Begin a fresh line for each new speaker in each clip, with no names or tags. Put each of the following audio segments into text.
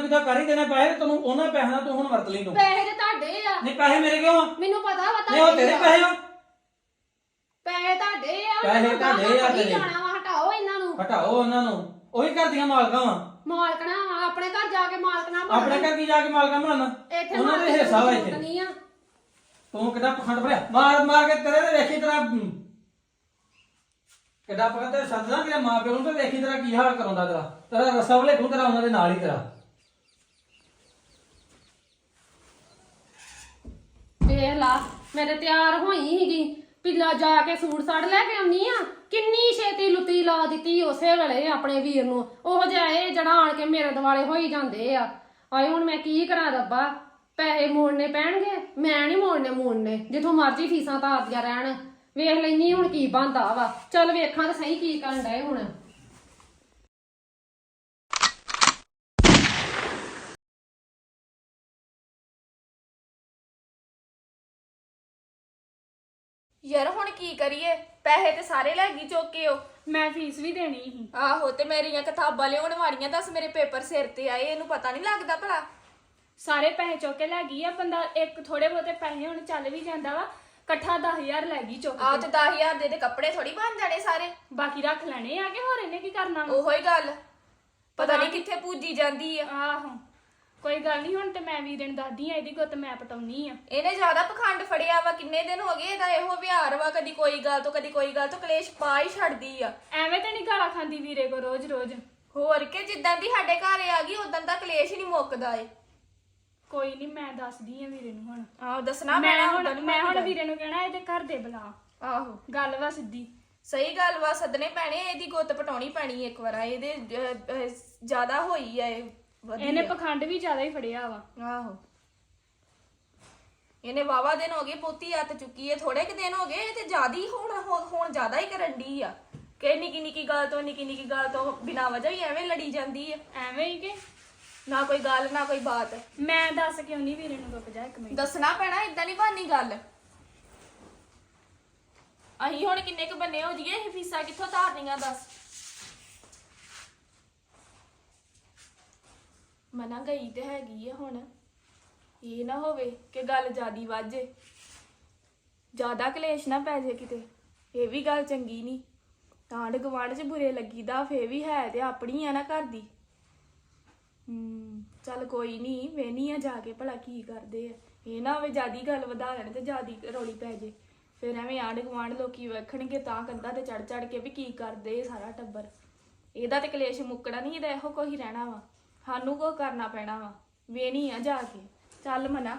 ਕਿਤੇ ਕਰ ਹੀ ਦੇਣੇ ਪੈਸੇ ਤੈਨੂੰ ਉਹਨਾਂ ਪੈਸਿਆਂ ਨਾਲ ਤੂੰ ਹੁਣ ਵਰਤ ਲਈ ਤੂੰ
ਪੈਸੇ ਤੇ ਤੁਹਾਡੇ ਆ
ਨਹੀਂ ਪੈਸੇ ਮੇਰੇ ਕਿਉਂ ਆ
ਮੈਨੂੰ ਪਤਾ ਵਾ
ਨਹੀਂ ਉਹ ਤੇਰੇ ਪੈਸੇ ਆ
ਪੈਸੇ ਤੁਹਾਡੇ ਆ
ਪੈਸੇ ਤੁਹਾਡੇ ਆ ਤੇਰੇ
ਜਾਣਾ ਵਾ ਹਟਾਓ ਇਹਨਾਂ ਨੂੰ
ਹਟਾਓ ਉਹਨਾਂ ਨੂੰ ਉਹੀ ਘਰ ਦੀਆਂ ਮਾਲਕਾਂ ਵਾ
ਮਾਲਕਣਾ ਵਾ ਆਪਣੇ ਘਰ ਜਾ ਕੇ ਮਾਲਕਣਾ ਬਣ
ਆਪਣੇ ਘਰ ਕੀ ਜਾ ਕੇ ਮਾਲਕਾਂ ਬਣਨ
ਇੱਥੇ
ਉਹਨਾਂ ਦੇ ਹਿੱਸਾ ਵਾ ਇੱਥੇ
ਨਹੀਂ ਆ
ਤੂੰ ਕਿੱਦਾਂ ਪਖੰਡ ਭਰਿਆ ਮਾਰ ਕੇ ਤੇਰੇ ਤੇ ਵੇਖੀ ਤੇਰਾ ਕਿੱਦਾਂ ਪਖੰਡ ਤੇ ਸੱਜਣਾ ਤੇਰੇ ਮਾਂ ਪਿਓ ਨੂੰ ਤੇ ਵੇਖੀ ਤੇਰਾ ਕੀ ਹਾਲ ਕਰਾਉਂਦਾ ਤੇਰਾ ਰਸਾ ਵਲੇ ਤੂੰ ਤੇਰਾ ਉਹਨਾਂ ਦੇ ਨਾਲ ਹੀ ਤੇਰਾ
ਵੇਖ ਲਾ ਮੈਂ ਤੇ ਤਿਆਰ ਹੋਈ ਸੀਗੀ ਪਿੱਲਾ ਜਾ ਕੇ ਸੂਟ ਸਾੜ ਲੈ ਕੇ ਆਉਣੀ ਆ ਕਿੰਨੀ ਛੇਤੀ ਲੁੱਤੀ ਲਾ ਦਿੱਤੀ ਉਸੇ ਵੇਲੇ ਆਪਣੇ ਵੀਰ ਨੂੰ ਉਹ ਜਿਹਾ ਇਹ ਜਿਹੜਾ ਆਣ ਕੇ ਮੇਰੇ ਦੁਆਲੇ ਹੋਈ ਜਾਂਦੇ ਆ ਆਏ ਹੁਣ ਮੈਂ ਕੀ ਕਰਾਂ ਰੱਬਾ ਪੈਸੇ ਮੋੜਨੇ ਪੈਣਗੇ ਮੈਂ ਨਹੀਂ ਮੋੜਨੇ ਜਿੱਥੋਂ ਮਰਜ਼ੀ ਫੀਸਾਂ ਤਾਰਦੀਆਂ ਰਹਿਣ ਵੇਖ ਲੈਣੀ ਹੁਣ ਕੀ ਬਣਦਾ ਵਾ ਚੱਲ ਵੇਖਾਂ ਤਾਂ ਸਹੀ ਕੀ ਕਰਨ ਡਏ ਹੁਣ
ਯਾਰ ਹੁਣ ਕੀ ਕਰੀਏ ਪੈਸੇ ਤੇ ਸਾਰੇ ਲੈ ਗਈ ਚੁੱਕ ਕੇ ਉਹ
ਮੈਂ ਫੀਸ ਵੀ ਦੇਣੀ ਸੀ
ਆਹੋ ਤੇ ਮੇਰੀਆਂ ਕਿਤਾਬਾਂ ਲਿਆਉਣ ਵਾਲੀਆਂ ਦੱਸ ਮੇਰੇ ਪੇਪਰ ਸਿਰ ਤੇ ਆਏ ਇਹਨੂੰ ਪਤਾ ਨਹੀਂ ਲੱਗਦਾ ਭਲਾ
ਸਾਰੇ ਪੈਸੇ ਚੁੱਕ ਕੇ ਲੈ ਗਈ ਆ ਬੰਦਾ ਇੱਕ ਥੋੜੇ ਬਹੁਤੇ ਪੈਸੇ ਹੁਣ ਚੱਲ ਵੀ ਜਾਂਦਾ ਵਾ ਇਕੱਠਾ 10000 ਲੈ ਗਈ ਚੁੱਕ
ਆ
ਕੇ
ਤੇ 10000 ਦੇ ਕੱਪੜੇ ਥੋੜੀ ਬਣ ਜਾਣੇ ਸਾਰੇ
ਬਾਕੀ ਰੱਖ ਲੈਣੇ ਆ ਕਿ ਹੋਰ ਇਹਨੇ ਕੀ ਕਰਨਾ ਵਾ?
ਉਹੋ ਹੀ ਗੱਲ ਪਤਾ ਨਹੀਂ ਕਿੱਥੇ ਪੂਜੀ ਜਾਂਦੀ ਆ
ਆਹੋ ਕੋਈ ਗੱਲ ਨਹੀਂ ਹੁਣ ਤੇ ਮੈਂ ਵੀਰੇ ਨੂੰ ਦੱਸਦੀ ਆ ਇਹਦੀ ਗੁੱਤ ਮੈਂ ਪਟਾਉਣੀ ਆ
ਇਹਨੇ ਜ਼ਿਆਦਾ ਪਖੰਡ ਫੜਿਆ ਵਾ ਕਿੰਨੇ ਦਿਨ ਹੋ ਗਏ ਇਹਦਾ ਇਹੋ ਵਿਹਾਰ ਵਾ ਕਦੀ ਕੋਈ ਗੱਲ ਤੋਂ ਕਦੀ ਕੋਈ ਗੱਲ ਤੋਂ ਕਲੇਸ਼ ਪਾ ਹੀ ਛੱਡਦੀ ਆ
ਐਵੇਂ ਤੇ ਨਹੀਂ ਗਾਲਾਂ ਖਾਂਦੀ ਵੀਰੇ ਕੋ ਰੋਜ਼
ਹੋਰ ਕਿ ਜਿੱਦਾਂ ਦੀ ਸਾਡੇ ਘਰ ਆ ਗਈ ਉਦੋਂ ਦਾ ਕਲੇਸ਼ ਹੀ ਨਹੀਂ ਮੁੱਕਦਾ ਏ
ਕੋਈ ਨਹੀਂ ਮੈਂ ਦੱਸਦੀ ਆ ਵੀਰੇ ਨੂੰ ਹੁਣ
ਆਹੋ ਦੱਸਣਾ
ਮੈਂ ਹੁਣ ਵੀਰੇ ਨੂੰ ਕਹਿਣਾ ਇਹਦੇ ਘਰ ਦੇ ਬੁਲਾ
ਆਹੋ
ਗੱਲ ਵਾ ਸਿੱਧੀ
ਸਹੀ ਗੱਲ ਵਾ ਸੱਦਣੇ ਪੈਣੇ ਇਹਦੀ ਗੁੱਤ ਪਟਾਉਣੀ ਪੈਣੀ ਇੱਕ ਵਾਰ ਇਹਦੇ ਜ਼ਿਆਦਾ ਹੋਈ ਆ ਇਹ ਵਧੀਆ।
ਇਹਨੇ ਪਖੰਡ ਵੀ ਜ਼ਿਆਦਾ ਹੀ ਫੜਿਆ ਵਾ
ਆਹੋ ਇਹਨੇ ਵਾਵਾ ਦਿਨ ਹੋ ਗਏ ਪੋਤੀ ਹੱਥ ਚੁੱਕੀ ਹੈ ਥੋੜੇ ਕਿ ਦਿਨ ਹੋ ਗਏ ਤੇ ਜ਼ਿਆਦਾ ਹੀ ਹੁਣ ਜ਼ਿਆਦਾ ਹੀ ਕਰਨ ਦੀ ਆ ਕਿ ਨਿੱਕੀ ਨਿੱਕੀ ਗੱਲ ਤੋਂ ਬਿਨਾਂ ਵਜ੍ਹਾ ਹੀ ਐਵੇਂ ਲੜੀ ਜਾਂਦੀ ਆ
ਐਵੇਂ ਹੀ ਕਿ
ਨਾ ਕੋਈ ਗੱਲ ਨਾ ਕੋਈ ਬਾਤ
ਮੈਂ ਦੱਸ ਕਿਉਂ ਨਹੀਂ ਵੀਰੇ ਨੂੰ ਰੁਕ ਜਾ ਇੱਕ ਮਿੰਟ
ਦੱਸਣਾ ਪੈਣਾ ਇਦਾਂ ਨਹੀਂ ਬਣਨੀ ਗੱਲ ਅਸੀਂ ਹੁਣ ਕਿੰਨੇ ਕੁ ਬੰਨੇ ਹੋ ਜੀਏ ਇਹ ਫੀਸਾਂ ਕਿੱਥੋਂ ਤਾਰਨੀਆਂ ਦੱਸ ਮਨਾ ਗਈ ਤੇ ਹੈਗੀ ਆ ਹੁਣ ਇਹ ਨਾ ਹੋਵੇ ਕਿ ਗੱਲ ਜ਼ਿਆਦੀ ਵਾਜੇ ਜ਼ਿਆਦਾ ਕਲੇਸ਼ ਨਾ ਪੈ ਜੇ ਕਿਤੇ ਇਹ ਵੀ ਗੱਲ ਚੰਗੀ ਨਹੀਂ ਆਂਢ ਗੁਆਂਢ 'ਚ ਬੁਰੇ ਲੱਗੀਦਾ ਫੇ ਵੀ ਹੈ ਤੇ ਆਪਣੀ ਆ ਨਾ ਘਰ ਦੀ ਚੱਲ ਕੋਈ ਨਹੀਂ ਵੇਹਨੀ ਆ ਜਾ ਕੇ ਭਲਾ ਕੀ ਕਰਦੇ ਆ ਇਹ ਨਾ ਹੋਵੇ ਜਿਆਦੀ ਗੱਲ ਵਧਾ ਲੈਣ ਤੇ ਜਿਆਦੀ ਰੌਲੀ ਪੈ ਜੇ ਫਿਰ ਐਵੇਂ ਆਂਢ ਗੁਆਂਢ ਲੋਕੀ ਵੇਖਣਗੇ ਤਾਂ ਕੰਧਾਂ ਤੇ ਚੜ ਕੇ ਵੀ ਕੀ ਕਰਦੇ ਸਾਰਾ ਟੱਬਰ ਇਹਦਾ ਤੇ ਕਲੇਸ਼ ਮੁੱਕਣਾ ਨਹੀਂ ਇਹਦਾ ਇਹੋ ਕੋਈ ਰਹਿਣਾ ਵਾ ਸਾਨੂੰ ਕੋ ਕਰਨਾ ਪੈਣਾ ਵਾ ਵੇਹਨੀ ਆ ਜਾ ਕੇ ਚੱਲ ਮਨਾ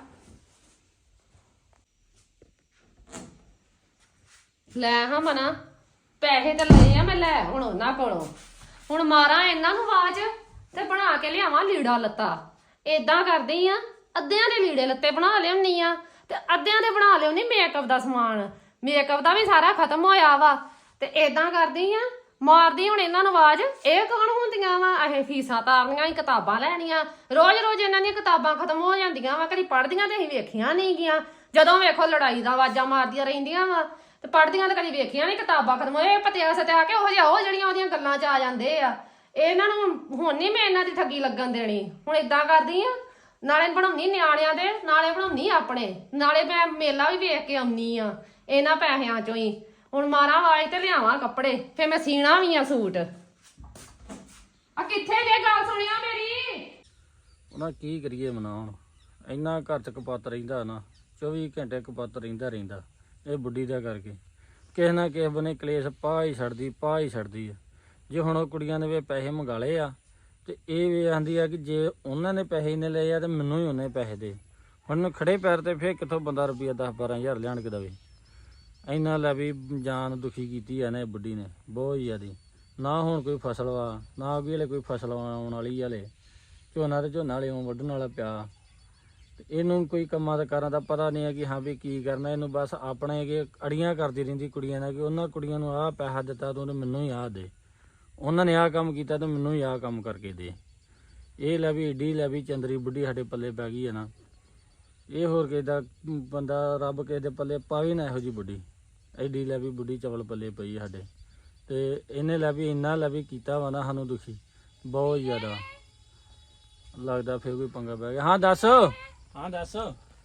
ਲੈ ਹਾਂ ਮਨਾ ਪੈਸੇ ਤਾਂ ਲਏ ਆ ਮੈਂ ਲੈ ਹੁਣ ਉਹਨਾਂ ਕੋਲੋਂ ਹੁਣ ਮਾਰਾਂ ਇਹਨਾਂ ਨੂੰ ਆਵਾਜ਼ ਤੇ ਬਣਾ ਕੇ ਲਿਆਵਾਂ ਲੀੜਾ ਲੱਤਾ ਏਦਾਂ ਕਰਦੀ ਆ ਅੱਧਿਆਂ ਦੇ ਲੀੜੇ ਲੱਤੇ ਬਣਾ ਲਿਆਉਣੀ ਆ ਤੇ ਅੱਧਿਆਂ ਦੇ ਬਣਾ ਲਿਆਉਣੀ ਮੇਕਅਪ ਦਾ ਸਮਾਨ ਮੇਕਅਪ ਦਾ ਵੀ ਸਾਰਾ ਖਤਮ ਹੋਇਆ ਵਾ ਤੇ ਏਦਾਂ ਕਰਦੀ ਆ ਮਾਰਦੀ ਹੁਣ ਇਹਨਾਂ ਨੂੰ ਆਵਾਜ਼ ਇਹ ਕੌਣ ਹੁੰਦੀਆਂ ਵਾ ਇਹ ਫੀਸਾਂ ਤਾਰਨੀਆਂ ਹੀ ਕਿਤਾਬਾਂ ਲੈਣੀਆਂ ਰੋਜ਼ ਇਹਨਾਂ ਦੀਆਂ ਕਿਤਾਬਾਂ ਖਤਮ ਹੋ ਜਾਂਦੀਆਂ ਵਾ ਕਦੀ ਪੜ੍ਹਦੀਆਂ ਤੇ ਅਸੀਂ ਵੇਖੀਆਂ ਨਹੀਂ ਗੀਆਂ ਜਦੋਂ ਵੇਖੋ ਲੜਾਈ ਦਾ ਆਵਾਜ਼ਾਂ ਮਾਰਦੀਆਂ ਰਹਿੰਦੀਆਂ ਵਾ ਤੇ ਪੜ੍ਹਦੀਆਂ ਤਾਂ ਕਦੀ ਵੇਖੀਆਂ ਨਹੀਂ ਕਿਤਾਬਾਂ ਖਤਮ ਹੋਏ ਪਤਿਆ ਸਤਿਆ ਕੇ ਉਹ ਜਿਹੜੀਆਂ ਉਹਦੀਆਂ ਗੱਲਾਂ 'ਚ ਆ ਜਾਂਦੇ ਆ ਇਹਨਾਂ ਨੂੰ ਹੁਣ ਨਹੀਂ ਮੈਂ ਇਹਨਾਂ ਦੀ ਠੱਗੀ ਲੱਗਣ ਦੇਣੀ ਹੁਣ ਏਦਾਂ ਕਰਦੀ ਆ ਨਾਲੇ ਬਣਾਉਣੀ ਨਿਆਣਿਆਂ ਦੇ ਨਾਲੇ ਬਣਾਉਣੀ ਆਪਣੇ ਨਾਲੇ ਮੈਂ ਮੇਲਾ ਵੀ ਵੇਖ ਕੇ ਆਉਣੀ ਆ ਇਹਨਾਂ ਪੈਸਿਆਂ ਚੋਂ ਹੀ ਹੁਣ ਮਾਰਾਂ ਆਵਾਜ਼ ਤੇ ਲਿਆਵਾਂ ਕੱਪੜੇ ਫੇ ਮੈਂ ਸੀਣਾ ਵੀ ਆ ਸੂਟ ਆ ਕਿੱਥੇ ਜੇ ਗੱਲ ਸੁਣਿਆ ਮੇਰੀ
ਉਹਨਾਂ ਕੀ ਕਰੀਏ ਮਨਾ ਹੁਣ ਇੰਨਾ ਘਰ ਚ ਕਪੱਤ ਰਹਿੰਦਾ ਨਾ 24 ਘੰਟੇ ਕਪੱਤ ਰਹਿੰਦਾ ਇਹ ਬੁੱਢੀ ਦਾ ਕਰਕੇ ਕਿਸੇ ਨਾ ਕਿਸੇ ਬਨੇ ਕਲੇਸ਼ ਪਾ ਹੀ ਛੱਡਦੀ ਆ ਜੇ ਹੁਣ ਉਹ ਕੁੜੀਆਂ ਨੇ ਵੀ ਪੈਸੇ ਮੰਗਾ ਲਏ ਆ ਤੇ ਇਹ ਵੀ ਆਂਦੀ ਆ ਕਿ ਜੇ ਉਹਨਾਂ ਨੇ ਪੈਸੇ ਇੰਨੇ ਲਏ ਆ ਤੇ ਮੈਨੂੰ ਹੀ ਉਹਨੇ ਪੈਸੇ ਦੇ ਹੁਣ ਖੜੇ ਪੈਰ ਤੇ ਫੇਰ ਕਿੱਥੋਂ ਬੰਦਾ ਰੁਪਈਆ 10-12 ਹਜ਼ਾਰ ਲਿਆਣ ਕੇ ਦਵੇ ਇੰਨਾ ਲੈ ਵੀ ਜਾਨ ਦੁਖੀ ਕੀਤੀ ਆ ਨਾ ਇਹ ਬੁੱਢੀ ਨੇ ਬਹੁਤ ਜ਼ਿਆਦੀ ਨਾ ਹੁਣ ਕੋਈ ਫਸਲ ਵਾ ਨਾ ਅੱਗੇ ਹਲੇ ਕੋਈ ਫਸਲ ਆਉਣ ਵਾਲੀ ਹਲੇ ਝੋਨਾ ਹਲੇ ਵੱਢਣ ਵਾਲਾ ਪਿਆ ਤੇ ਇਹਨੂੰ ਕੋਈ ਕੰਮਾਂ ਦਾ ਕਾਰਾਂ ਦਾ ਪਤਾ ਨਹੀਂ ਹੈ ਕਿ ਹਾਂ ਵੀ ਕੀ ਕਰਨਾ ਇਹਨੂੰ ਬਸ ਆਪਣੇ ਕਿ ਅੜੀਆਂ ਕਰਦੀ ਰਹਿੰਦੀ ਕੁੜੀਆਂ ਨਾਲ ਕਿ ਉਹਨਾਂ ਕੁੜੀਆਂ ਨੂੰ ਆਹ ਪੈਸਾ ਦਿੱਤਾ ਤੂੰ ਮੈਨੂੰ ਹੀ ਆਹ ਦੇ ਉਹਨਾਂ ਨੇ ਆਹ ਕੰਮ ਕੀਤਾ ਤਾਂ ਮੈਨੂੰ ਹੀ ਆਹ ਕੰਮ ਕਰਕੇ ਦੇ ਇਹ ਲੈ ਵੀ ਏਡੀ ਲੈ ਵੀ ਚੰਦਰੀ ਬੁੱਢੀ ਸਾਡੇ ਪੱਲੇ ਪੈ ਗਈ ਹੈ ਨਾ ਇਹ ਹੋਰ ਕਿਸੇ ਦਾ ਬੰਦਾ ਰੱਬ ਕਿਸੇ ਦੇ ਪੱਲੇ ਪਾਵੇ ਨਾ ਇਹੋ ਜਿਹੀ ਬੁੱਢੀ ਐਡੀ ਲੈ ਵੀ ਬੁੱਢੀ ਚਵਲ ਪੱਲੇ ਪਈ ਸਾਡੇ ਤੇ ਇਹਨੇ ਲੈ ਵੀ ਇੰਨਾ ਲੈ ਵੀ ਕੀਤਾ ਵਾ ਨਾ ਸਾਨੂੰ ਦੁਖੀ ਬਹੁਤ ਜ਼ਿਆਦਾ ਲੱਗਦਾ ਫੇਰ ਕੋਈ ਪੰਗਾ ਪੈ ਗਿਆ। ਹਾਂ ਦੱਸ। ਹਾਂ ਦੱਸ।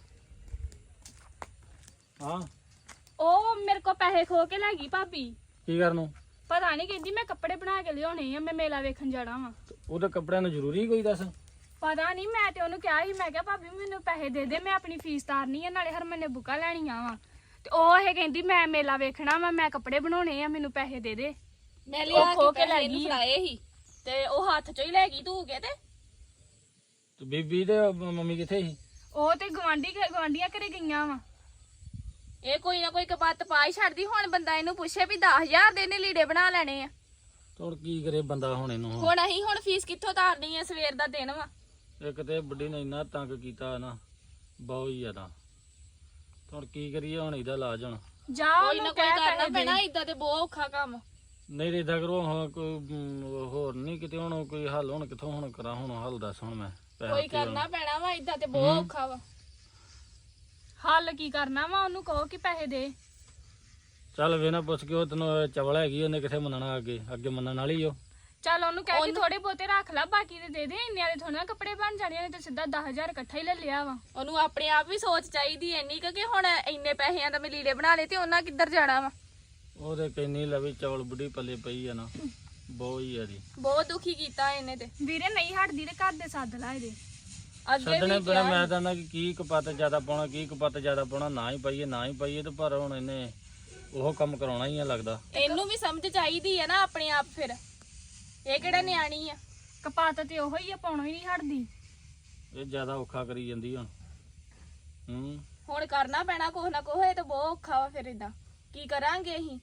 ਹਾਂ
ਉਹ ਮੇਰੇ ਕੋ ਪੈਸੇ ਖੋ ਕੇ ਲੈ ਗਈ ਭਾਬੀ।
ਕੀ ਕਰਨ ਨੂੰ?
ਪਤਾ ਨਹੀਂ, ਕਹਿੰਦੀ ਮੈਂ ਕੱਪੜੇ ਬਣਾ ਕੇ ਲਿਆਉਣੇ ਆ, ਮੈਂ ਮੇਲਾ ਵੇਖਣ ਜਾਣਾ ਵਾ।
ਉਹਦੇ ਕੱਪੜਿਆਂ ਨੂੰ ਜ਼ਰੂਰੀ ਕੋਈ ਦੱਸ?
ਪਤਾ ਨਹੀਂ, ਮੈਂ ਤੇ ਉਹਨੂੰ ਕਿਹਾ ਸੀ, ਮੈਂ ਕਿਹਾ ਭਾਬੀ ਮੈਨੂੰ ਪੈਸੇ ਦੇ ਦੇ, ਮੈਂ ਆਪਣੀ ਫੀਸ ਤਾਰਨੀ ਆ, ਨਾਲੇ ਹਰਮਨ ਨੇ ਬੁੱਕਾਂ ਲੈਣੀਆਂ ਵਾ। ਤੇ ਉਹ ਇਹ ਕਹਿੰਦੀ ਮੈਂ ਮੇਲਾ ਵੇਖਣਾ ਵਾ, ਮੈਂ ਕੱਪੜੇ ਬਣਾਉਣੇ ਆ, ਮੈਨੂੰ ਪੈਸੇ ਦੇ ਦੇ।
ਮੈਂ ਲਿਆ
ਉਹ ਖੋ
ਕੇ
ਕੇ ਲੈ
ਪੈਸੇ
ਗਈ
ਇਹਨੂੰ
ਆ।
ਫੜਾਏ ਸੀ ਤੇ ਉਹ ਹੱਥ ਚੋਂ ਹੀ ਲੈ ਗਈ ਧੂ ਕੇ ਤੇ
ਬੀਬੀ ਤੇ ਮੰਮੀ ਕਿੱਥੇ ਸੀ?
ਉਹ ਤੇ ਗਵਾਂਢੀਆਂ ਘਰੇ ਗਈਆਂ ਵਾ।
ਇਹ ਕੋਈ ਨਾ ਕੋਈ ਕਪੱਤ ਪਾ ਹੀ ਛੱਡਦੀ। ਹੁਣ ਬੰਦਾ ਇਹਨੂੰ ਪੁੱਛੇ ਵੀ 10,000 ਦੇ ਨੇ ਲੀੜੇ ਬਣਾ ਲੈਣੇ ਆ।
ਹੁਣ ਕੀ ਕਰੇ ਬੰਦਾ ਹੁਣ ਇਹਨੂੰ?
ਹੁਣ ਅਸੀਂ ਹੁਣ ਫੀਸ ਕਿੱਥੋਂ ਤਾਰਨੀ ਆ? ਸਵੇਰ ਦਾ ਦਿਨ ਵਾ।
ਇੱਕ ਤੇ ਬੁੱਢੀ ਨੇ ਇੰਨਾ ਤੰਗ ਕੀਤਾ ਨਾ, ਬਹੁਤ ਹੀ ਜ਼ਿਆਦਾ। ਹੁਣ ਕੀ ਕਰੀਏ ਹੁਣ ਇਹਦਾ ਇਲਾਜ? ਹੁਣ
ਜਾ
ਕੋਈ ਨਾ
ਉਹਨੂੰ
ਕੋਈ
ਕਹਿ
ਕਰਨਾ
ਪੈਸੇ
ਪੈਣਾ,
ਦੇ।
ਇਦਾਂ ਤੇ ਬਹੁਤ ਔਖਾ ਕੰਮ।
ਨਹੀਂ ਇਦਾਂ ਕਰੋ ਹੁਣ ਕੋਈ ਹੋਰ ਨਹੀਂ ਕਿਤੇ ਹੁਣ ਕੋਈ ਹੱਲ। ਹੁਣ ਕਿੱਥੋਂ ਹੁਣ ਕਰਾਂ? ਹੁਣ ਹੱਲ ਦੱਸ ਹੁਣ ਮੈਂ ਪੈਸੇ
ਕੋਈ
ਦਿੱਤੇ ਹੁਣ।
ਕਰਨਾ ਪੈਣਾ ਵਾ, ਇਦਾਂ ਤੇ ਬਹੁਤ ਔਖਾ ਵਾ।
ਹੱਲ ਕੀ ਕਰਨਾ ਵਾ? ਉਹਨੂੰ ਕਹੋ ਕਿ ਪੈਸੇ ਦੇ।
ਚੱਲ ਵੇ ਨਾ ਪੁੱਛ ਕੇ ਉਹ ਤੈਨੂੰ ਚਵਲ ਹੈਗੀ, ਉਹਨੇ ਕਿੱਥੇ ਮੰਨਣਾ? ਅੱਗੇ ਮੰਨਣ ਵਾਲੀ ਉਹ।
ਚੱਲ ਉਹਨੂੰ ਕਹਿ ਕੇ ਥੋੜੇ ਬਹੁਤੇ ਰੱਖ ਲੈ, ਬਾਕੀ ਦੇ ਦੇ। ਇੰਨੇ ਵਾਲੇ ਥੋੜੇ ਨਾ ਕੱਪੜੇ ਬਣ ਜਾਣੇ ਨੇ, ਤੇ ਸਿੱਧਾ 10,000 ਇਕੱਠਾ ਹੀ ਲੈ ਲਿਆ ਵਾ।
ਉਹਨੂੰ ਆਪਣੇ ਆਪ ਵੀ ਸੋਚ ਚਾਹੀਦੀ ਐਨੀ ਕਿ ਹੁਣ ਇੰਨੇ ਪੈਸਿਆਂ ਦਾ ਮੈਂ ਲੀੜੇ ਬਣਾ ਲਏ ਤੇ ਉਹਨਾਂ ਕਿੱਧਰ ਜਾਣਾ ਵਾ।
ਉਹਦੇ ਕਹਿੰਨੀ ਲਵੀ ਚਵਲ ਬੁੱਢੀ ਪੱਲੇ ਪਈ ਆ ਨਾ, ਬਹੁਤ ਹੀ ਆ ਜੀ।
ਬਹੁਤ ਦੁਖੀ ਕੀਤਾ ਇਹਨੇ ਤੇ।
ਵੀਰੇ ਨਹੀਂ ਹਟਦੀ ਤੇ ਘਰ ਦੇ ਸੱਦ ਲਾ ਇਹਦੇ।
ਅੱਗੇ
ਛੱਡਣੇ
ਵੀ
ਪੈਣਾ। ਮੈਂ ਤਾਂ ਕਿ ਕੀ ਕਪੱਤ ਜ਼ਿਆਦਾ ਪਾਉਣਾ, ਕੀ ਕਪੱਤ ਜ਼ਿਆਦਾ ਪਾਉਣਾ, ਨਾ ਹੀ ਪਾਈਏ ਨਾ ਹੀ ਪਾਈਏ। ਤੇ ਪਰ ਹੁਣ ਇਹਨੇ ਉਹ ਕੰਮ ਕਰਾਉਣਾ ਹੀ ਆ ਲੱਗਦਾ।
ਇਹਨੂੰ ਵੀ ਸਮਝ ਚਾਹੀਦੀ ਹੈ ਨਾ ਆਪਣੇ ਆਪ। ਫਿਰ ਇਹ ਕਿਹੜਾ ਨਿਆਣੀ ਆ?
ਕਪਾਤ ਤੇ ਉਹੋ ਹੀ ਆ, ਪਾਉਣੋਂ ਹੀ ਨਹੀਂ ਹਟਦੀ।
ਇਹ ਜ਼ਿਆਦਾ ਔਖਾ ਕਰੀ ਜਾਂਦੀ ਹੁਣ।
ਹੁਣ ਕਰਨਾ ਪੈਣਾ ਕੁਛ ਨਾ ਕੁਛ। ਇਹ ਤਾਂ ਬਹੁਤ ਔਖਾ ਵਾ। ਫਿਰ ਇਦਾਂ ਕੀ ਕਰਾਂਗੇ ਅਸੀਂ?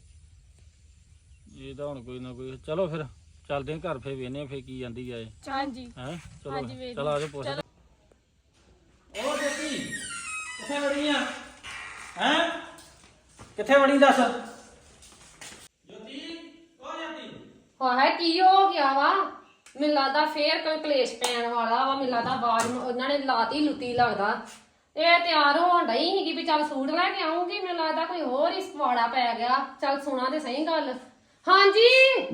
ਇਹ ਤਾਂ ਹੁਣ ਕੋਈ ਨਾ ਕੋਈ। ਚਲੋ ਫਿਰ ਚੱਲਦੇ ਆਂ ਘਰ, ਫੇਰ ਵੇਨੇ ਫੇਰ ਕੀ ਜਾਂਦੀ ਆ ਇਹ।
ਹਾਂਜੀ
ਹੈ ਚਲੋ
ਹਾਂਜੀ, ਵੇਖ
ਚਲ ਆ ਜਾ ਪੁੱਛ। ਉਹ ਜੋਤੀ ਕਿੱਥੇ ਵੜੀ ਆ? ਹੈ ਕਿੱਥੇ ਵੜੀ ਦੱਸ? ਜੋਤੀ ਉਹ ਜਾਂਦੀ।
ਹਾਏ ਕੀ ਹੋ ਗਿਆ ਵਾ? ਮੈਨੂੰ ਲੱਗਦਾ ਫੇਰ ਕੋਈ ਕਲੇਸ਼ ਪੈਣ ਵਾਲਾ ਵਾ। ਮੈਨੂੰ ਲੱਗਦਾ ਆਵਾਜ਼ ਉਹਨਾਂ ਨੇ ਲਾਤੀ ਲੁੱਤੀ ਲੱਗਦਾ। ਇਹ ਤਿਆਰ ਹੋਣ ਡਈ ਸੀਗੀ ਵੀ ਚੱਲ ਸੂਟ ਲੈ ਕੇ ਆਉਂਗੀ। ਮੈਨੂੰ ਲੱਗਦਾ ਕੋਈ ਹੋਰ ਹੀ ਸਵਾੜਾ ਪੈ ਗਿਆ। ਚੱਲ ਸੁਣਾ ਤੇ ਸਹੀ ਗੱਲ। ਹਾਂਜੀ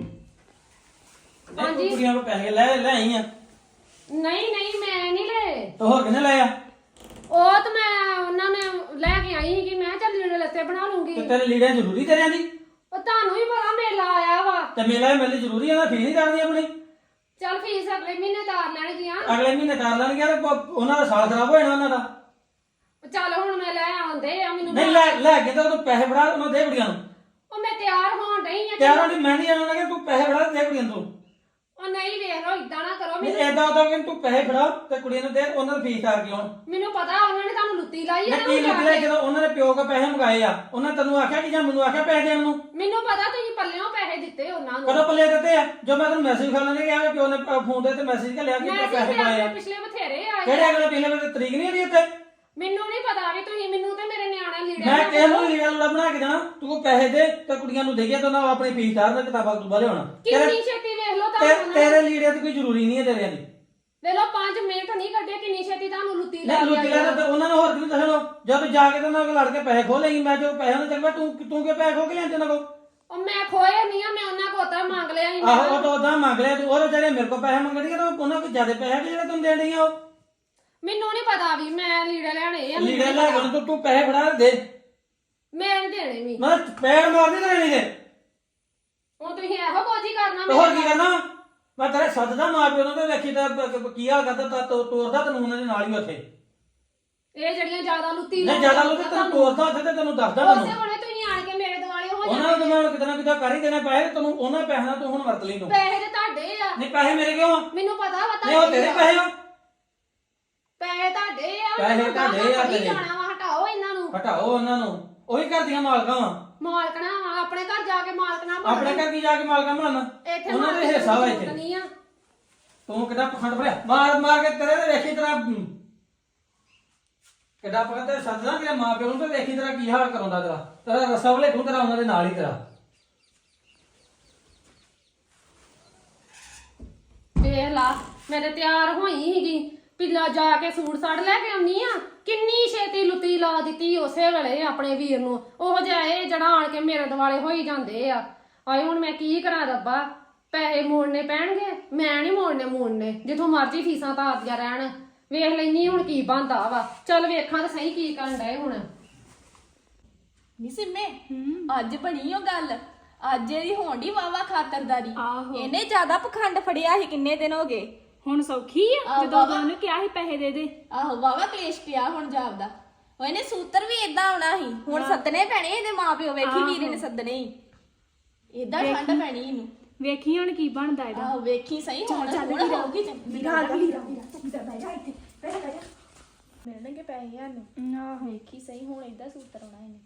ਹਾਂਜੀ।
ਕੁੜੀਆਂ ਕੋਲ ਪੈਸੇ ਲੈ ਆਈ ਆ?
ਨਹੀਂ ਨਹੀਂ ਮੈਂ ਨਹੀਂ ਲਏ।
ਤੇ ਹੋਰ ਕਿਹਨੇ ਲੈ ਆ?
ਉਹ ਤਾਂ ਮੈਂ ਉਹਨਾਂ ਨੇ ਲੈ ਕੇ ਆਈ ਸੀਗੀ। ਮੈਂ ਚੱਲ ਲੀੜੇ ਲੱਤੇ ਬਣਾ ਲੂੰਗੀ।
ਤੇ ਤੇਰੇ ਲੀੜੇ ਜ਼ਰੂਰੀ ਤੇਰਿਆਂ ਦੀ?
ਉਹ ਤੁਹਾਨੂੰ ਵੀ ਪਤਾ ਮੇਲਾ ਆਇਆ ਵਾ।
ਤੇ ਮੇਲੇ ਜ਼ਰੂਰੀ ਆ ਨਾ? ਫੀਸ ਨਹੀਂ ਕਰਨੀ ਆਪਣੀ?
ਚੱਲ ਫੀਸ ਅਗਲੇ ਮਹੀਨੇ ਤਾਰ ਲੈਣਗੀਆਂ।
ਅਗਲੇ ਮਹੀਨੇ ਕਰ ਲੈਣਗੇ। ਉਹਨਾਂ ਦਾ ਸਾਲ ਖਰਾਬ ਹੋ ਜਾਣਾ ਉਹਨਾਂ ਦਾ।
ਚੱਲ ਹੁਣ ਮੈਂ ਲੈ ਆਉਂਦੇ ਆ। ਮੈਨੂੰ
ਨਹੀਂ ਲੈ ਕੇ ਤਾਂ ਤੂੰ ਪੈਸੇ ਫੜਾ ਉਹਨਾਂ ਦੇ ਕੁੜੀਆਂ ਨੂੰ।
ਉਹ ਮੈਂ ਤਿਆਰ ਹੋਣ ਡਈ ਆ।
ਤਿਆਰ ਹੋਣੀ ਮੈਂ ਨਹੀਂ ਜਾਣਾ ਕਿ ਤੂੰ ਪੈਸੇ ਫੜਾ ਦੇ ਕੁੜੀਆਂ ਨੂੰ।
ਉਹ ਨਹੀਂ ਵੇਖ ਲੋ ਇਦਾਂ ਨਾ ਕਰੋ।
ਨਹੀਂ ਏਦਾਂ ਉਦਾਂ ਕਿ ਤੂੰ ਪੈਸੇ ਫੜਾ ਤੇ ਕੁੜੀਆਂ ਨੂੰ ਦੇ, ਉਹਨਾਂ ਨੂੰ ਫੀਸ ਕਰ ਕੇ ਆਉਣ।
ਮੈਨੂੰ ਪਤਾ ਉਹਨਾਂ ਨੇ ਤੁਹਾਨੂੰ ਲੁੱਤੀ ਲਾਈ ਆ
ਮੈਂ ਕੀ ਨਿਕਲਿਆ ਜਦੋਂ ਉਹਨਾਂ ਨੇ ਪਿਓ ਕੋ ਪੈਸੇ ਮੰਗਾਏ ਆ? ਉਹਨਾਂ ਤੈਨੂੰ ਆਖਿਆ ਕਿ ਜਾਂ ਮੈਨੂੰ ਆਖਿਆ ਪੈਸੇ ਦੇਣ ਨੂੰ?
ਮੈਨੂੰ ਪਤਾ ਤੁਸੀਂ ਪੱਲਿਓਂ ਪੈਸੇ ਦਿੱਤੇ ਉਹਨਾਂ ਨੂੰ।
ਕਦੋਂ ਪੱਲੇ ਦਿੱਤੇ ਆ? ਜੋ ਮੈਂ ਤੈਨੂੰ ਮੈਸੇਜ ਕਰ ਲੈਣੇ ਕਿ ਪਿਓ ਨੇ ਫੋਨ ਦੇ ਤੇ ਮੈਸੇਜ ਘੱਲਿਆ ਕਿ ਪੈਸੇ ਪਾਏ ਆ।
ਪਿਛਲੇ ਬਥੇਰੇ ਆਏ।
ਕਿਹੜੇ ਅਗਲੇ ਪਿਛਲੇ ਵੇਲੇ ਤਰੀਕ ਨਹੀਂ ਆਦੀ ਉੱਤੇ?
ਮੈਨੂੰ ਨਹੀਂ ਪਤਾ ਵੀ ਤੁਸੀਂ ਮੈਨੂੰ ਤੇ ਮੇਰੇ ਨਿਆਣੇ ਲੀੜੇ
ਮੈਂ ਕਿਸੇ ਨੂੰ ਲੀੜਾ ਲੂੜਾ ਬਣਾ ਕੇ ਦੇਣਾ। ਤੂੰ ਕੋ ਪੈਸੇ ਦੇ ਤੇ ਕੁੜੀਆਂ ਨੂੰ ਦੇਈਏ ਤਾਂ ਉਹਨਾਂ ਆਪਣੀ ਫੀਸ ਤਾਰ ਦੇ, ਕਿਤਾਬਾਂ ਕਤੂਬਾਂ ਲਿਆਉਣਾ।
ਕਿੰਨੀ ਛੇਤੀ ਵੇਖ ਲੋ ਤੁਹਾਨੂੰ।
ਤੇਰੇ ਲੀੜੇ ਦੀ ਕੋਈ ਜ਼ਰੂਰੀ ਨਹੀਂ ਹੈ ਤੇਰਿਆਂ ਦੀ।
ਵੇਖ ਲੋ 5 ਮਿੰਟ ਨਹੀਂ ਕੱਢੇ ਕਿੰਨੀ ਛੇਤੀ ਤੁਹਾਨੂੰ ਲੁੱਤੀ
ਨਹੀਂ
ਲਾਈ
ਲੁੱਟੀ ਲੈ ਤੇ ਉਹਨਾਂ ਨੂੰ ਹੋਰ ਕਿਉਂ ਦੱਸਣੋ? ਜਦ ਜਾ ਕੇ ਤੇ ਉਹਨਾਂ ਕੋਲ ਲੜ ਕੇ ਪੈਸੇ ਖੋ ਲਈ। ਮੈਂ ਜੋ ਪੈਸੇ ਉਹਨਾਂ ਚੱਕਵਾ ਤੂੰ ਕਿ ਪੈਸੇ ਖੋ ਕੇ ਲਿਆਂਦੇ ਉਹਨਾਂ ਕੋਲ?
ਉਹ ਮੈਂ ਖੋਏ ਨਹੀਂ ਆ। ਮੈਂ ਉਹਨਾਂ ਕੋਲ ਤਾਂ ਮੰਗ ਲਿਆ ਸੀ।
ਆਹੋ ਉਹ ਤਾਂ ਉਦਾਂ ਮੰਗ ਲਿਆ ਤੂੰ। ਉਹ ਜਿਹੜੇ ਮੇਰੇ ਕੋਲ ਪੈਸੇ ਮੰਗਣਗੇ ਤਾਂ ਉਹਨਾਂ ਕੋਲ ਜ਼ਿਆਦਾ ਪੈਸੇ ਕਿ ਜਿਹੜੇ ਤੂੰ ਦੇਣ ਡਈ ਆ ਉਹ।
ਮੈਨੂੰ ਨਹੀਂ ਪਤਾ ਵੀ ਮੈਂ ਲੀੜੇ ਲੈਣੇ ਆ।
ਲੀੜੇ ਲੈ ਕੇ ਤੂੰ ਪੈਸੇ ਫੜਾ ਦੇ।
ਮੈਂ ਨਹੀਂ ਦੇਣੇ ਵੀ।
ਮੈਂ ਪੈਰ ਮਾਰਦੇ ਤੇ ਨਹੀਂ ਦੇ।
ਹੁਣ ਤੁਸੀਂ ਇਹੋ ਕੁਝ ਹੀ ਕਰਨਾ।
ਤੇ ਹੋਰ ਕੀ ਕਰਨਾ? ਮੈਂ ਤੇਰੇ ਸੱਦਦਾ ਮਾਂ ਪਿਓ ਨੂੰ ਤੇ ਵੇਖੀ ਤਾਂ ਕੀ ਹਾਲ ਕਰਦਾ ਤਾਂ ਤੋਰਦਾ ਤੈਨੂੰ ਉਹਨਾਂ ਦੇ ਨਾਲ ਹੀ ਉੱਥੇ।
ਇਹ ਜਿਹੜੀਆਂ ਜ਼ਿਆਦਾ ਲੁੱਤੀ
ਨਹੀਂ ਜ਼ਿਆਦਾ ਲੋਕ ਤੈਨੂੰ ਤੋਰਦਾ ਉੱਥੇ ਤੇ ਤੈਨੂੰ ਦੱਸਦਾ
ਉਸੇ
ਤੈਨੂੰ।
ਵੇਲੇ ਤੁਸੀਂ ਆਣ ਕੇ ਮੇਰੇ ਦੁਆਲੇ ਹੋ
ਉਹਨਾਂ ਨੂੰ ਮੈਂ ਕਿਤੇ ਨਾ ਕਿਤੇ ਕਰ ਹੀ ਦੇਣਾ ਪੈਸੇ। ਤੈਨੂੰ ਉਹਨਾਂ ਪੈਸਿਆਂ ਨਾਲ ਤੂੰ ਹੁਣ ਵਰਤ ਲਈ ਤੂੰ।
ਪੈਸੇ ਤੇ ਤੁਹਾਡੇ ਆ।
ਨਹੀਂ ਪੈਸੇ ਮੇਰੇ ਕਿਉਂ ਆ?
ਮੈਨੂੰ ਪਤਾ ਵਾ
ਨਹੀਂ ਉਹ ਤੇਰੇ ਪੈਸੇ ਆ।
ਪੈਸੇ ਤੁਹਾਡੇ ਆ।
ਪੈਸੇ ਤੁਹਾਡੇ ਆ ਤੇਰੇ।
ਜਾਣਾ ਵਾ ਹਟਾਓ ਇਹਨਾਂ ਨੂੰ।
ਹਟਾਓ ਉਹਨਾਂ ਨੂੰ। ਉਹੀ ਘਰ ਦੀਆਂ ਮਾਲਕਾਂ ਵਾ।
ਮਾਲਕਣਾ ਵਾ ਆਪਣੇ ਘਰ ਜਾ ਕੇ ਮਾਲਕਣਾ ਬਣ।
ਆਪਣੇ ਘਰ ਕੀ ਜਾ ਕੇ ਮਾਲਕਾਂ ਬਣਨ?
ਇੱਥੇ
ਉਹਨਾਂ ਦੇ ਹਿੱਸਾ ਵਾ ਇੱਥੇ।
ਨਹੀਂ ਆ।
ਤੂੰ ਕਿੱਦਾਂ ਪਖੰਡ ਭਰਿਆ ਮਾਰ ਕੇ ਤੇਰੇ ਤੇ ਵੇਖੀ ਤੇਰਾ ਕਿੱਦਾਂ ਪਖੰਡ ਤੇ ਸੱਦਣਾ ਕਿ ਮਾਂ ਪਿਓ ਨੂੰ ਤੇ ਵੇਖੀ ਤੇਰਾ ਕੀ ਹਾਲ ਕਰਾਉਂਦਾ ਤੇਰਾ ਰਸਾ ਵਲੇ ਤੂੰ ਤੇਰਾ ਉਹਨਾਂ ਦੇ ਨਾਲ ਹੀ ਤੇਰਾ।
ਵੇਖ ਲਾ ਮੈਂ ਤੇ ਤਿਆਰ ਹੋਈ ਸੀਗੀ ਪਿੱਲਾ ਜਾ ਕੇ ਸੂਟ ਸਾੜ ਲੈ ਕੇ ਆਉਣੀ ਆ। ਕਿੰਨੀ ਛੇਤੀ ਲੁੱਤੀ ਲਾ ਦਿੱਤੀ ਉਸੇ ਵੇਲੇ ਆਪਣੇ ਵੀਰ ਨੂੰ। ਉਹ ਜਿਹਾ ਇਹ ਜਿਹੜਾ ਆਣ ਕੇ ਮੇਰੇ ਦੁਆਲੇ ਹੋਈ ਜਾਂਦੇ ਆ। ਆਏ ਹੁਣ ਮੈਂ ਕੀ ਕਰਾਂ ਰੱਬਾ? ਪੈਸੇ ਮੋੜਨੇ ਪੈਣਗੇ, ਮੈਂ ਨਹੀਂ ਮੋੜਨੇ ਜਿੱਥੋਂ ਮਰਜ਼ੀ ਫੀਸਾਂ ਤਾਰਦੀਆਂ ਰਹਿਣ। ਵੇਖ ਲੈਣੀ ਹੁਣ ਕੀ ਬਣਦਾ ਵਾ। ਚੱਲ ਵੇਖਾਂ ਤਾਂ ਸਹੀ ਕੀ ਕਰਨ ਡਏ ਹੁਣ।
ਨੀ ਸਿੰਮੇ ਅੱਜ ਬਣੀ ਉਹ ਗੱਲ, ਅੱਜ ਇਹਦੀ ਹੋਣ ਦੀ ਵਾਵਾ ਖਾਤਰਦਾਰੀ।
ਆਹੋ।
ਇਹਨੇ ਜ਼ਿਆਦਾ ਪਖੰਡ ਫੜਿਆ ਸੀ, ਕਿੰਨੇ ਦਿਨ ਹੋ ਗਏ।
ਹੁਣ ਸੌਖੀ ਆ ਜਦੋਂ ਉਹਨੂੰ ਕਿਹਾ ਸੀ ਪੈਸੇ ਦੇ ਦੇ।
ਆਹੋ ਵਾਵਾ ਕਲੇਸ਼ ਪਿਆ ਹੁਣ ਜਾਪਦਾ। ਉਹ ਇਹਨੇ ਸੂਤਰ ਵੀ ਇਦਾਂ ਆਉਣਾ ਸੀ, ਹੁਣ ਸੱਦਣੇ ਪੈਣੇ ਇਹਦੇ ਮਾਪਿਓ। ਵੇਖੀ ਵੀਰੇ ਨੇ ਸੱਦਣੇ ਹੀ, ਇਦਾਂ ਠੰਡ ਪੈਣੀ ਇਹਨੂੰ।
ਵੇਖੀ ਹੁਣ ਕੀ ਬਣਦਾ ਇਹਦਾ।
ਆਹੋ ਵੇਖੀ ਸਹੀ ਹੁਣ ਹੋਊਗੀ ਵੀਰਾ ਬਹਿ ਜਾ ਇੱਥੇ, ਬਹਿ ਜਾ। ਮਿਲਣਗੇ ਪੈਸੇ ਸਾਨੂੰ।
ਆਹੋ
ਵੇਖੀ ਸਹੀ ਹੁਣ ਇਦਾਂ ਸੂਤਰ ਆਉਣਾ ਇਹਨੇ।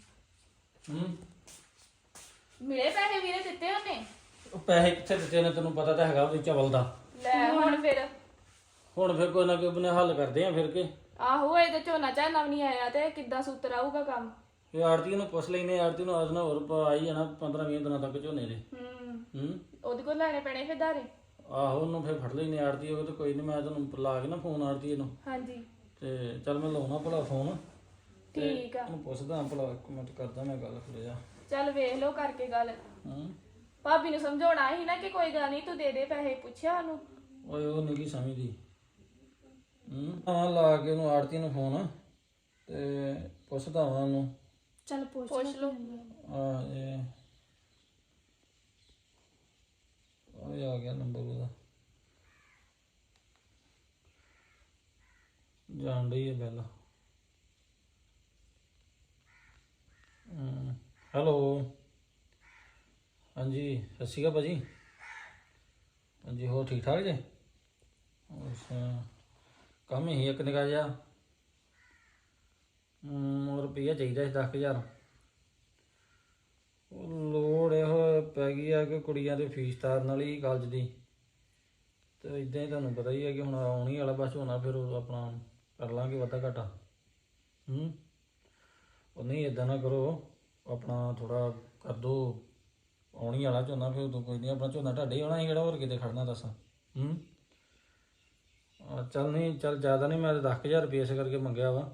ਮਿਲੇ ਪੈਸੇ ਵੀਰੇ ਦਿੱਤੇ ਉਹਨੇ?
ਉਹ ਪੈਸੇ ਕਿੱਥੇ ਦਿੱਤੇ ਨੇ, ਤੈਨੂੰ ਪਤਾ ਤਾਂ ਹੈਗਾ ਉਹਦੀ ਚਵਲ ਦਾ।
ਲੈ ਹੁਣ ਫਿਰ
ਹੁਣ ਫਿਰ ਕੋਈ ਨਾ ਕੋਈ ਬਨੇ ਹੱਲ ਕਰਦੇ ਆ ਫਿਰ ਕੇ।
ਆਹੋ ਇਹ ਤੇ ਝੋਨਾ ਝਾਨਾ ਵੀ ਨਹੀਂ ਆਇਆ ਤੇ ਕਿੱਦਾਂ ਸੂਤਰ ਆਊਗਾ ਕੰਮ।
ਇਹ ਆੜਤੀ ਨੂੰ ਪੁੱਛ ਲੈਨੇ, ਆੜਤੀ ਨੂੰ ਆਜ ਨਾ ਹੋਰ ਆਈ ਜਾਣਾ 15-20 ਦਿਨਾਂ ਤੱਕ ਝੋਨੇ ਦੇ।
ਉਹਦੇ ਕੋਲ ਲੈਣੇ ਪੈਣੇ ਫਿਰ ਧਾਰੇ।
ਆਹੋ ਉਹਨੂੰ ਫਿਰ ਫੜ ਲੈਨੇ ਆੜਤੀ। ਉਹ ਤੇ ਕੋਈ ਨਹੀਂ, ਮੈਂ ਤੈਨੂੰ ਲਾ ਕੇ ਨਾ ਫੋਨ ਆੜਤੀ ਇਹਨੂੰ।
ਹਾਂਜੀ
ਤੇ ਚੱਲ ਮੈਂ ਲਾਉਣਾ ਭਲਾ ਫੋਨ।
ਠੀਕ ਆ।
ਉਹਨੂੰ ਪੁੱਛਦਾ ਭਲਾ, ਇੱਕ ਮਿੰਟ ਕਰਦਾ ਮੈਂ ਗੱਲ ਫਿਰ ਜਾ।
ਚੱਲ ਵੇਖ ਲਓ ਕਰਕੇ ਗੱਲ।
ਹੂੰ
ਭਾਬੀ ਨੂੰ ਸਮਝਾਉਣਾ ਸੀ ਨਾ ਕਿ ਕੋਈ ਗੱਲ ਨਹੀਂ ਤੂੰ ਦੇ ਦੇ ਪੈਸੇ, ਪੁੱਛਿਆ ਉਹਨੂੰ।
ਓਏ ਉਹ ਨਹੀਂ ਕੀ ਸਮਝਦੀ। ਹਾਂ ਲਾ ਕੇ ਉਹਨੂੰ ਆੜਤੀ ਨੂੰ ਫੋਨ ਤੇ ਪੁੱਛਦਾ ਵਾਂ ਉਹਨੂੰ।
ਚੱਲ
ਪੁੱਛ ਲਓ।
ਇਹ ਆ ਗਿਆ ਨੰਬਰ ਉਹਦਾ। ਜਾਣ ਰਹੀ ਹੈ ਬੈਲ। ਹੈਲੋ ਹਾਂਜੀ ਸਤਿ ਸ਼੍ਰੀ ਅਕਾਲ ਭਾਜੀ। ਹਾਂਜੀ ਹੋਰ ਠੀਕ ਠਾਕ ਜੇ? ਅੱਛਾ ਕੰਮ ਹੀ ਇੱਕ ਨਿਕਾ ਜਿਹਾ। ਰੁਪਈਆ ਚਾਹੀਦਾ ਸੀ 10,000। ਉਹ ਲੋੜ ਇਹੋ ਪੈ ਗਈ ਆ ਕਿ ਕੁੜੀਆਂ ਦੇ ਫੀਸ ਤਾਰਨ ਵਾਲੀ ਕਾਲਜ ਦੀ। ਤੇ ਇਦਾਂ ਹੀ ਤੁਹਾਨੂੰ ਪਤਾ ਹੀ ਹੈ ਕਿ ਹੁਣ ਆਉਣੀ ਵਾਲਾ ਬਸ ਹੋਣਾ, ਫਿਰ ਉਹ ਆਪਣਾ ਕਰ ਲਾਂਗੇ ਵਾਧਾ ਘਾਟਾ। ਉਹ ਨਹੀਂ ਇਦਾਂ ਨਾ ਕਰੋ, ਆਪਣਾ ਥੋੜਾ ਕਰ ਦੋ। ਆਉਣੀ ਵਾਲਾ ਝੋਨਾ, ਫਿਰ ਉਦੋਂ ਕੋਈ ਨਹੀਂ, ਆਪਣਾ ਝੋਨਾ ਤੁਹਾਡੇ ਆਉਣਾ ਸੀ ਕਿਹੜਾ ਹੋਰ ਕਿਤੇ ਖੜਨਾ ਦੱਸ। ਚੱਲ ਨਹੀਂ ਚੱਲ ਜ਼ਿਆਦਾ ਨਹੀਂ, ਮੈਂ ਤਾਂ 10,000 ਰੁਪਏ ਇਸ ਕਰਕੇ ਮੰਗਿਆ ਵਾ।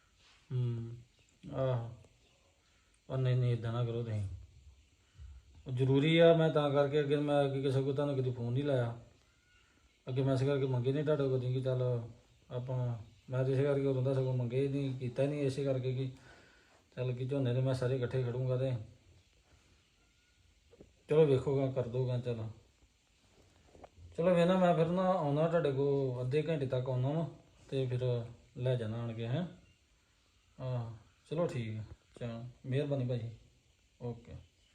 ਆਹੋ ਉਹ ਨਹੀਂ ਇੱਦਾਂ ਨਾ ਕਰੋ ਤੁਸੀਂ। ਉਹ ਜ਼ਰੂਰੀ ਆ, ਮੈਂ ਤਾਂ ਕਰਕੇ ਅੱਗੇ ਮੈਂ ਅੱਗੇ ਕਿਸੇ ਕੋਲ ਤੁਹਾਨੂੰ ਕਦੀ ਫੋਨ ਨਹੀਂ ਲਾਇਆ। ਅੱਗੇ ਮੈਂ ਇਸ ਕਰਕੇ ਮੰਗੇ ਨਹੀਂ ਤੁਹਾਡੇ ਕੋਲ ਕਿ ਚੱਲ ਆਪਾਂ, ਮੈਂ ਤਾਂ ਇਸੇ ਕਰਕੇ ਉਦੋਂ ਦਾ ਸਗੋਂ ਮੰਗੇ ਨਹੀਂ, ਕੀਤਾ ਨਹੀਂ ਇਸੇ ਕਰਕੇ ਕਿ ਚੱਲ ਕਿ ਝੋਨੇ ਦੇ ਮੈਂ ਸਾਰੇ ਇਕੱਠੇ ਖੜੂੰਗਾ। ਤੇ ਚਲੋ ਵੇਖੋਗਾ ਕਰ ਦੋਗਾ। ਚਲੋ ਵੇਖਣਾ ਮੈਂ ਫਿਰ ਨਾ ਆਉਣਾ ਤੁਹਾਡੇ ਕੋਲ, ਅੱਧੇ ਘੰਟੇ ਤੱਕ ਆਉਣਾ ਵਾ ਤੇ ਫਿਰ ਲੈ ਜਾਣਾ ਆਣ ਕੇ। ਚਲੋ ਠੀਕ ਹੈ, ਚਲੋ ਮਿਹਰਬਾਨੀ ਭਾਜੀ। ਓਕੇ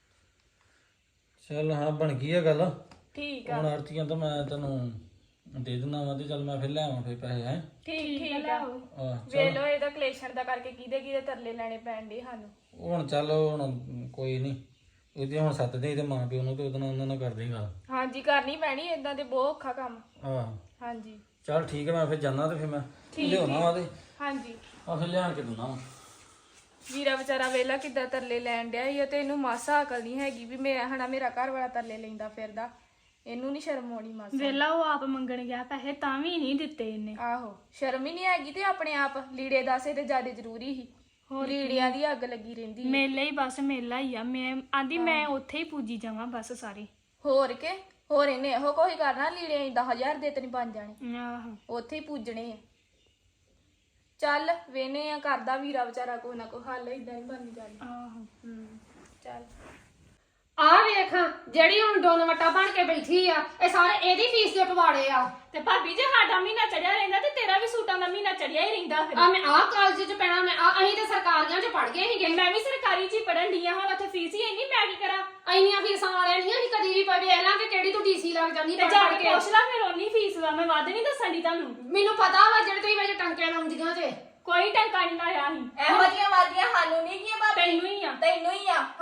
ਚੱਲ ਹਾਂ ਬਣ ਗਈ ਆ ਗੱਲ।
ਠੀਕ ਆ।
ਹੁਣ ਆਰਤੀਆਂ ਤਾਂ ਮੈਂ ਤੈਨੂੰ ਦੇ ਦਿੰਦਾ ਵਾ ਤੇ ਚੱਲ ਮੈਂ ਫਿਰ ਲੈ ਆਵਾਂ ਫਿਰ ਪੈਸੇ। ਹੈ
ਠੀਕ ਆ। ਵੇਖ ਲਓ ਇਹਦਾ ਕਲੇਸ਼ਣ ਦਾ ਕਰਕੇ ਕਿਹਦੇ ਤਰਲੇ ਲੈਣੇ ਪੈਣ ਡੇ ਸਾਨੂੰ।
ਹੁਣ ਚੱਲ ਹੁਣ ਕੋਈ ਨਹੀਂ, ਉਹਦੇ ਹੁਣ ਸੱਤ ਦੇ ਤੇ ਮਾਂ ਪਿਓ ਨੂੰ ਤੇ ਉਹਦੇ ਨਾਲ ਉਹਨਾਂ ਨਾਲ ਕਰਦੇ ਗੱਲ।
ਹਾਂਜੀ ਕਰਨੀ ਪੈਣੀ, ਏਦਾਂ ਤੇ ਬਹੁਤ ਔਖਾ ਕੰਮ। ਹਾਂਜੀ
ਚੱਲ ਠੀਕ ਹੈ, ਮੈਂ ਫਿਰ ਜਾਣਾ ਤੇ ਫਿਰ ਮੈਂ ਲਿਆਉਣਾ ਵਾ ਤੇ
ਹਾਂਜੀ
ਫਿਰ ਲਿਆਣ ਕੇ ਦਿੰਦਾ ਵਾ।
ਵੀਰਾ ਵਿਚਾਰਾ ਵੇਲਾ ਕਿੱਦਾਂ ਤਰਲੇ ਲੈਣ ਡਿਆ ਈ, ਤੇ ਇਹਨੂੰ ਮਾਸਾ ਅਕਲ ਨਹੀਂ ਹੈਗੀ ਵੀ ਮੇਰਾ ਘਰ ਵਾਲਾ ਤਰਲੇ ਲੈਂਦਾ ਫਿਰਦਾ। ਇਹਨੂੰ ਨਹੀਂ ਸ਼ਰਮ ਆਉਣੀ ਮਾਸਾ।
ਵੇਲਾ ਉਹ ਆਪ ਮੰਗਣ ਗਿਆ ਪੈਸੇ ਤਾਂ ਵੀ ਨਹੀਂ ਦਿੱਤੇ ਇਹਨੇ।
ਆਹੋ ਸ਼ਰਮ ਹੀ ਨਹੀਂ ਹੈਗੀ। ਤੇ ਆਪਣੇ ਆਪ ਲੀੜੇ ਦਾਸੇ ਤੇ ਜ਼ਿਆਦਾ ਜ਼ਰੂਰੀ ਸੀ, ਲੀੜਿਆਂ ਦੀ ਅੱਗ ਲੱਗੀ ਰਹਿੰਦੀ।
ਮੇਲਾ ਹੀ ਬਸ ਮੇਲਾ ਹੀ ਆ। ਮੈਂ ਆਂਦੀ ਮੈਂ ਉੱਥੇ ਹੀ ਪੂਜੀ ਜਾਵਾਂ ਬਸ ਸਾਰੇ।
ਹੋਰ ਇਹਨੇ ਇਹੋ ਕੋਈ ਕਰਨਾ, ਲੀੜੇ 10,000 ਦੇ ਤੇ ਨਹੀਂ ਬਣ ਜਾਣੇ,
ਆਹੋ
ਉੱਥੇ ਹੀ ਪੂਜਣੇ ਆ। ਚੱਲ ਵੇਨੇ ਆ ਕਰਦਾ ਵੀਰਾ ਵਿਚਾਰਾ ਕੋਈ ਨਾ ਕੋਈ ਹੱਲ, ਇਦਾਂ ਨਹੀਂ ਬਣਨੀ ਜਾਣੀ।
ਆਹੋ
ਚੱਲ
ਆ ਵੇਖ ਜਿਹੜੀ ਹੁਣ ਡੋਨ ਵਟਾ ਬਣ ਕੇ ਬੈਠੀ ਆ, ਇਹ ਸਾਰੇ ਇਹਦੀ ਫੀਸ ਦੇ ਪਵਾੜੇ ਆ।
ਤੇ ਭਾਬੀ ਜੇ ਸਾਡਾ ਮਹੀਨਾ ਚੜਿਆ ਰਹਿੰਦਾ ਤੇ ਤੇਰਾ ਵੀ ਸੂਟਾਂ ਦਾ ਮਹੀਨਾ ਚੜਿਆ ਹੀ ਰਹਿੰਦਾ। ਫਿਰ
ਮੈਂ ਕਾਲਜ ਚ ਪੈਣਾ, ਅਸੀਂ ਤੇ ਸਰਕਾਰੀਆਂ ਚ ਪੜ ਗਏ ਸੀਗੇ।
ਮੈਂ ਵੀ ਸਰਕਾਰੀ ਚ ਹੀ ਪੜਨ ਡਈ ਆ, ਹੁਣ ਉੱਥੇ ਫੀਸ ਹੀ ਇੰਨੀ, ਮੈਂ ਕੀ ਕਰਾਂ?
ਇੰਨੀਆਂ ਫੀਸਾਂ ਵਾਲਿਆਂ ਨਹੀਂ ਅਸੀਂ ਕਦੀ ਵੀ ਪਵੇ ਲਾਂ ਕਿ ਕਿਹੜੀ ਤੂੰ ਡੀਸੀ ਲੱਗ ਜਾਂਦੀ
ਤੇ ਜਾ ਕੇ ਪੁੱਛ ਲਾ ਫਿਰ, ਓਨੀ ਫੀਸ ਵਾ। ਮੈਂ ਵੱਧ ਨਹੀਂ ਦੱਸਣ ਦੀ ਤੁਹਾਨੂੰ।
ਮੈਨੂੰ ਪਤਾ ਵਾ ਜਿਹੜੇ ਤੁਸੀਂ ਵਿੱਚ ਟੰਕੇ ਲਾਉਂਦੀਆਂ ਜੇ।
ਕੋਈ ਟੰਕਾ ਨਹੀਂ ਲਾਇਆ ਸੀ।
ਇਹੋ ਜਿਹੀਆਂ ਵਾਦੀਆਂ ਸਾਨੂੰ ਨਹੀਂ ਕੀ
ਤੈਨੂੰ ਹੀ ਆ।
ਤੈਨੂੰ ਹੀ ਆ।